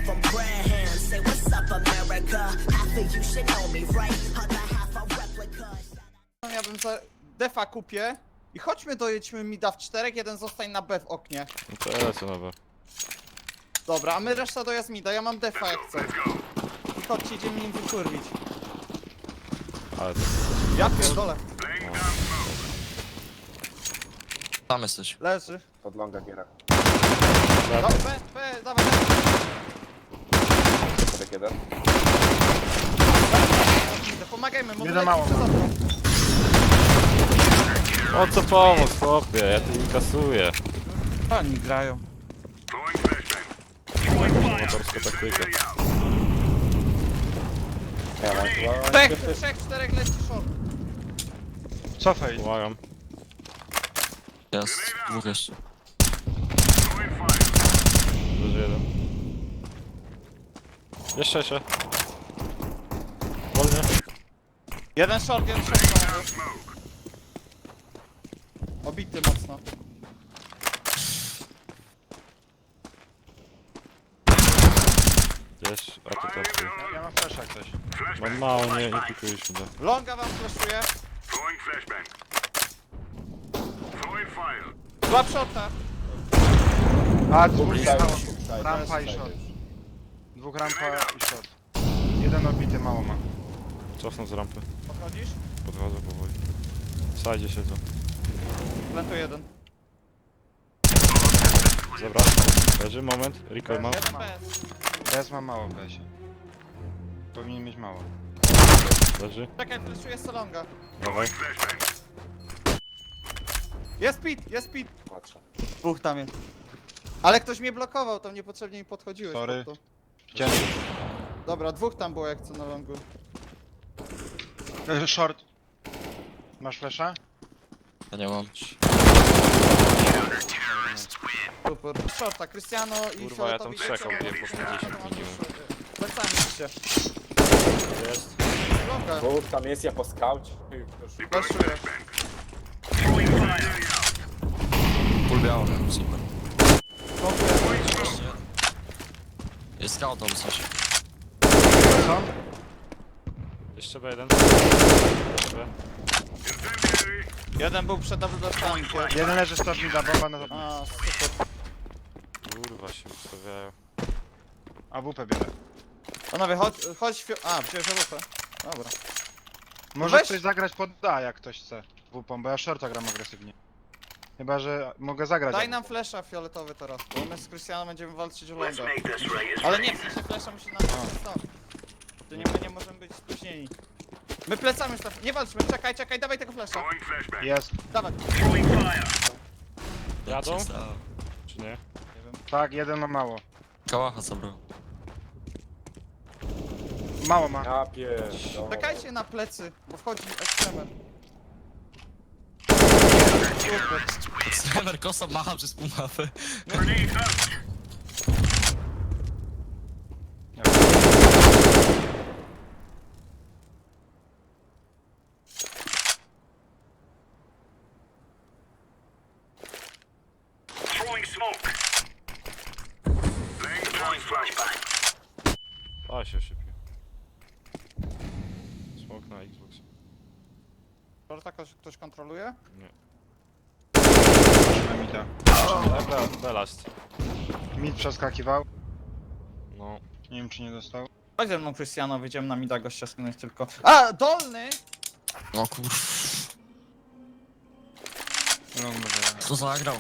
left them prayer hands. Say what's up, America? Half of you should know me, right? Other half a replica. Ja bym za defa kupię i chodźmy dojedźmy mida w 4, jeden zostań na B w oknie. No to ja lecę nowe. Dobra, a my reszta dojazd mida, ja mam defa jak chcę. I chodźcie, idziemy nim wykurwić. Ale to... Ja pierdolę. Tam jesteś. Leży. Pod longa giera. No, B, dawaj. Podek jeden. Pomagajmy, może Jeden mało lecieć ma. za mną. O co pomóc, chłopie, ja tu inkasuję. Oni grają. Motorska taktyka. Ja mam chyba... Trzech, czterech leci short. Cofaj. Pomagam. Jest. Dwóch jeszcze. Leży jeden. Jeszcze. Wolnie. Jeden short. Obity mocno. Gdzieś, a to tak. Ja mam flash jak coś. Mam mało, nie pikujesz mi. Longa wam flashuje. Złap shorta. A, dwóch Side, stało. side, Rampa i side. short. Dwóch rampa i short. Jeden obity, mało ma. Cofnął z rampy. Podchodzisz? Podchodzę powoli. W sajdzie siedzą. Plantuję jeden. Dobra. Leży, moment. Recall mam. Jeden bez. Bez ma mało w besie. Powinien mieć mało. Leży. Czekaj, flashuję Solonga. Dawaj. Jest pit. Patrzę. Dwóch tam jest. Ale ktoś mnie blokował, tam niepotrzebnie mi podchodziłeś. Sorry. pod to. Ciężko. Dobra, dwóch tam było jak co na longu. Short. Masz flasha? Ja nie mam. Super. Shorta, Cristiano i Kurwa, ja tam Fioletowi. trzech obiłem po 50 minimum. Plecami się. Jest. Longa. Dwóch tam jest, ja po skaucie. Flashuję. Pól biały, super. Longuję. Jest scout albo coś. Co? Jeszcze B1. Jeszcze. Jeden był przed double dashami. Jeden leży stop mi da bomba na to. A, super. Kurwa się ustawiają. AWP bierze. Panowie, chodź A, wziąłeś AWP. Dobra. Może Weź. ktoś zagrać pod A jak ktoś chce. WP, bo ja shorta gram agresywnie. Chyba, że mogę zagrać. Daj nam flasha fioletowy teraz, bo my z Cristiano będziemy walczyć o longa. Ale nie, w sensie flasha musi nam stąd. To nie, my nie możemy być spóźnieni. My plecamy już nie walczmy, czekaj, dawaj tego flasha. Jest. Dawaj. Jadą? Czy nie? Tak, jeden ma mało. Kałacha zabrał. Mało ma. Ja pierdolę. Czekajcie na plecy, bo wchodzi ekstremer. Streamer kosa macha przez pół mapy. A się szybko. Smok na Xbox. Shorta ktoś kontroluje? Na mida. Dobra, belast. Mid przeskakiwał. No. Nie wiem czy nie dostał. Chodź ze mną Cristiano, wyjdziemy na mida gościa skinąć tylko. A, dolny! No kurwa. Long może. Kto zagrał?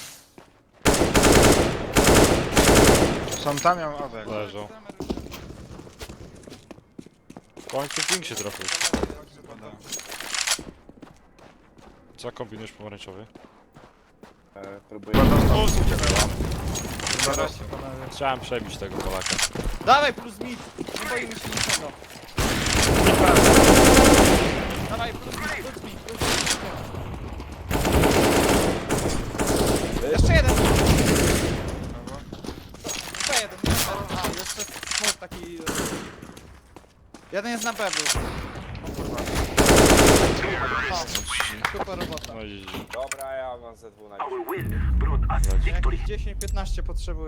Są tam, ja mam awek. Leżą. W końcu ping się trafił. Co kombinujesz pomarańczowy? Próbuję. Chciałem przebić tego Polaka. Dawaj plus mid, nie boimy się niczego. Dawaj plus mid. Jeszcze jeden. Jeszcze jeden. A, jeszcze smok taki... Jeden jest na B był. O, super robota. No i Dobra, ja mam ze dwóch na Our win brought us victory. 10-15 potrzebuję.